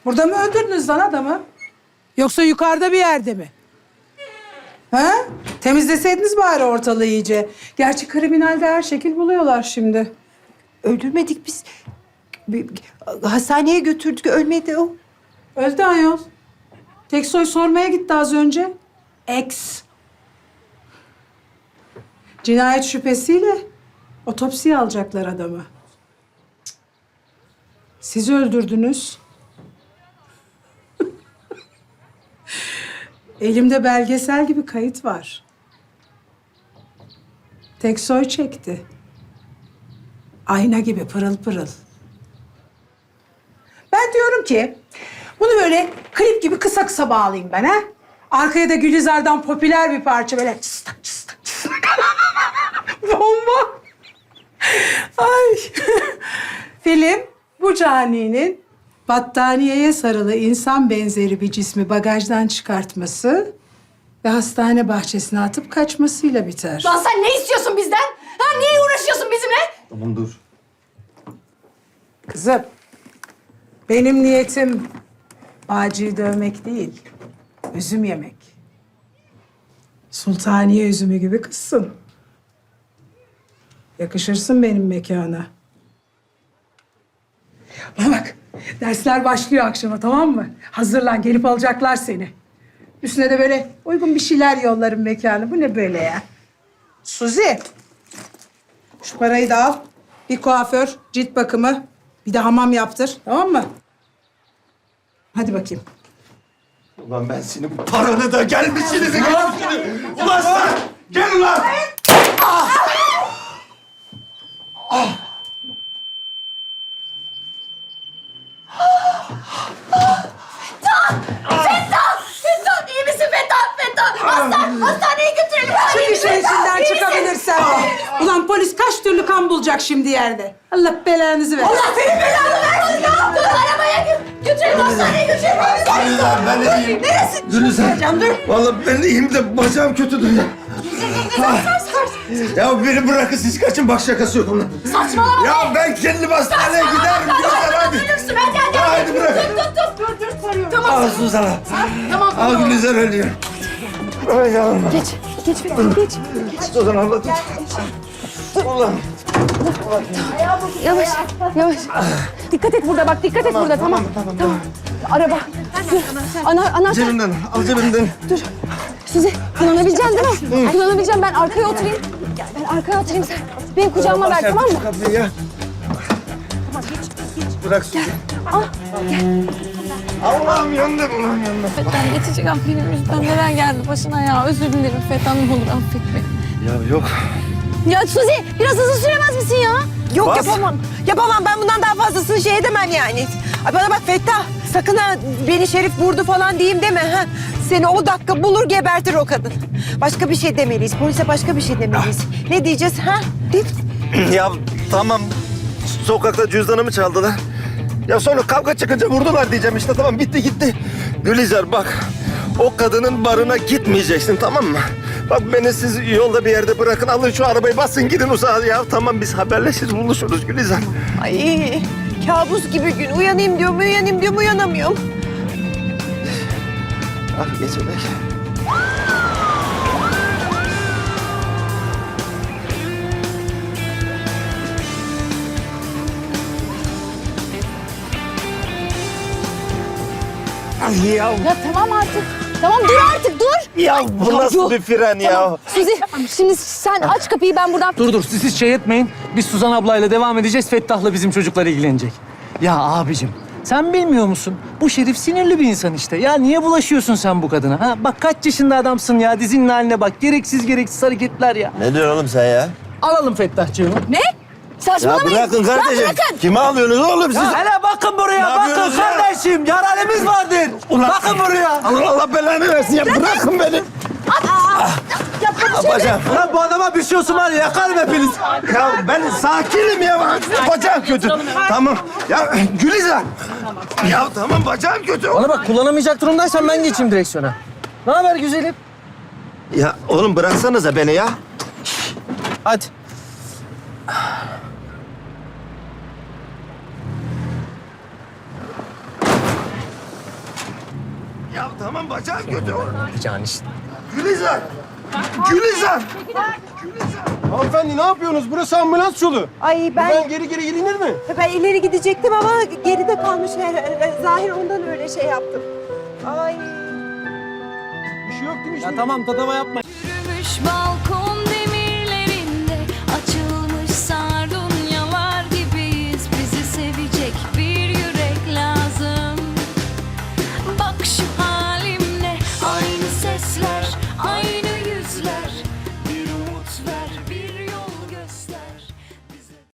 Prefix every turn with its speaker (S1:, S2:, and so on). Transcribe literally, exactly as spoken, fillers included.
S1: Burada mı öldürdünüz lan adamı? Yoksa yukarıda bir yerde mi? Ha? Temizleseydiniz bari ortalığı iyice. Gerçi kriminalde her şekil buluyorlar şimdi.
S2: Öldürmedik biz. Bir- Hastaneye götürdük, ölmedi o.
S1: Öldü ayol. Teksoy sormaya gitti az önce. Ex. Cinayet şüphesiyle otopsiye alacaklar adamı. Siz öldürdünüz. Elimde belgesel gibi kayıt var. Teksoy çekti. Ayna gibi pırıl pırıl. Ben diyorum ki bunu böyle klip gibi kısa kısa bağlayayım ben ha. Arkaya da Gülizar'dan popüler bir parça böyle çıstak çıstak çıstak. Bomba. Ay. Film bu caninin battaniyeye sarılı insan benzeri bir cismi bagajdan çıkartması ve hastane bahçesine atıp kaçmasıyla biter.
S3: Lan sen ne istiyorsun bizden? Ha niye uğraşıyorsun bizimle?
S4: Tamam dur.
S1: Kızım, benim niyetim Bağcı'yı dövmek değil, üzüm yemek. Sultaniye üzümü gibi kızsın. Yakışırsın benim mekana. Bana bak, dersler başlıyor akşama, tamam mı? Hazırlan, gelip alacaklar seni. Üstüne de böyle uygun bir şeyler yollarım mekana. Bu ne böyle ya? Suzi, şu parayı da al. Bir kuaför, cilt bakımı, bir de hamam yaptır, tamam mı? Hadi bakayım.
S4: Ulan ben senin bu paranı da gelmişsiniz. Ulan sen! Gel ulan!
S3: Fettah! Fettah iyi misin Fettah? Fettah! Hasta, hastaneye götürelim.
S1: Şu
S3: İyi
S1: işin
S3: misin?
S1: içinden
S3: İyi
S1: çıkabilirsen. Ulan polis kaç türlü kan bulacak şimdi yerde. Allah belanızı versin.
S3: Allah senin belanı versin ya! Dur arabaya gö- götürelim hastaneye götürelim.
S4: Gülizar ben de iyiyim.
S3: Neresi?
S4: Gülizar.
S3: Dur.
S4: Vallahi ben de iyiyim de bacağım kötüdür ya. Ya beni bırakın siz kaçın bak şakası yok onun.
S3: Saçmalama
S4: Ya ben kendim hastaneye giderim Gülizar hadi.
S3: Ölürsün hadi hadi.
S4: Ya
S3: hadi.
S4: hadi bırak.
S3: Tut tut tut. Dur dur sarıyorum. Tamam.
S4: Al Suzan'a.
S3: Tamam.
S4: Al
S3: tamam.
S4: Gülizar ölüyor. Ay yavrum.
S2: Geç, geç Fettah, geç.
S4: Suzan abla tut. Ulan.
S2: Yavaş, yavaş. Dikkat et burada bak, dikkat et burada. Tamam, tamam, tamam. Araba. Dur. Ana, anahtar.
S4: Cebimden al cebimden.
S2: Dur. Sizi kullanabileceksin değil mi? Kullanabileceğim. Ben arkaya oturayım. Ben arkaya oturayım sen. Benim kucağıma ver, tamam mı?
S4: Şu kapıyı ya. Bırak Suzan.
S2: Al, gel.
S4: Allah'ım yandım ulan yandım.
S5: Fettah geçecek an benim yüzümden neler geldi başına ya. Özür dilerim Fettah, ne olur affet beni.
S4: Ya yok.
S2: Ya Suzi, biraz hızlı süremez misin ya?
S6: Yok
S4: Bas.
S6: yapamam. Yapamam ben bundan daha fazlasını şey edemem yani. Ay bana bak Fettah sakın ha beni Şerif vurdu falan diyeyim deme ha. Seni o dakika bulur gebertir o kadın. Başka bir şey demeliyiz. Polise başka bir şey demeliyiz. Ne diyeceğiz ha? De-
S4: Ya tamam. Sokakta cüzdanımı çaldılar. Ya sonra kavga çıkınca vurdular diyeceğim işte tamam bitti gitti. Gülizar bak o kadının barına gitmeyeceksin tamam mı? Bak beni siz yolda bir yerde bırakın alın şu arabayı basın gidin uzağa ya. Tamam biz haberleşiriz buluşuruz Gülizar.
S6: Ay kabus gibi gün. Uyanayım diyorum uyanayım diyorum uyanamıyorum.
S4: Ah geçecek. Ay ya.
S2: Ya tamam artık. Tamam dur artık dur.
S4: Ya bu nasıl
S2: yok.
S4: bir fren ya?
S2: Tamam. Suzi şimdi sen aç kapıyı ben buradan...
S7: Dur dur siz hiç şey etmeyin. Biz Suzan ablayla devam edeceğiz. Fettah'la bizim çocuklar ilgilenecek. Ya abicim sen bilmiyor musun? Bu Şerif sinirli bir insan işte. Ya niye bulaşıyorsun sen bu kadına? Ha? Bak kaç yaşında adamsın ya. Dizinin haline bak. Gereksiz gereksiz hareketler ya.
S4: Ne diyorsun oğlum sen ya?
S7: Alalım Fettah'cığımı.
S2: Ne?
S4: Ya
S2: Saçmalamayın.
S4: bırakın kardeşim.
S2: Ya bırakın.
S4: Kime alıyorsunuz oğlum siz?
S7: Ya hele bakın buraya.
S4: Ne
S7: Bakın
S4: yapıyorsunuz ya?
S7: kardeşim. Yaralımız vardır. bakın buraya.
S4: Allah, Allah belanı versin ya. Bırakın beni. Ah, bacağım.
S7: Ulan bu adama bir şey olsun var ya. Yakarım hepiniz.
S4: Ya ben sakinim ya. Bacağım kötü. Tamam. Ya Gülizar. Ya tamam bacağım kötü.
S7: Bana bak kullanamayacak durumdaysan ben geçeyim direksiyona. Ne haber güzelim?
S4: Ya oğlum bıraksanıza beni ya.
S7: Hadi.
S4: tamam bacağım kötü.
S7: Yapacağın işte.
S4: Gülizar! Gülizar!
S8: Hanımefendi ne yapıyorsunuz? Burası ambulans yolu.
S6: Ay ben,
S8: Ben geri geri gelinir mi?
S6: ben ileri gidecektim ama geride kalmış. Her- Zahir ondan öyle şey yaptım. Ay.
S8: Bir şey yok değil mi?
S7: Ya tamam tatava yapma.
S5: Yürümüş balkon demirlerinde açılmış sardunyalar gibiyiz. Bizi sevecek bir yürek lazım. Bak şu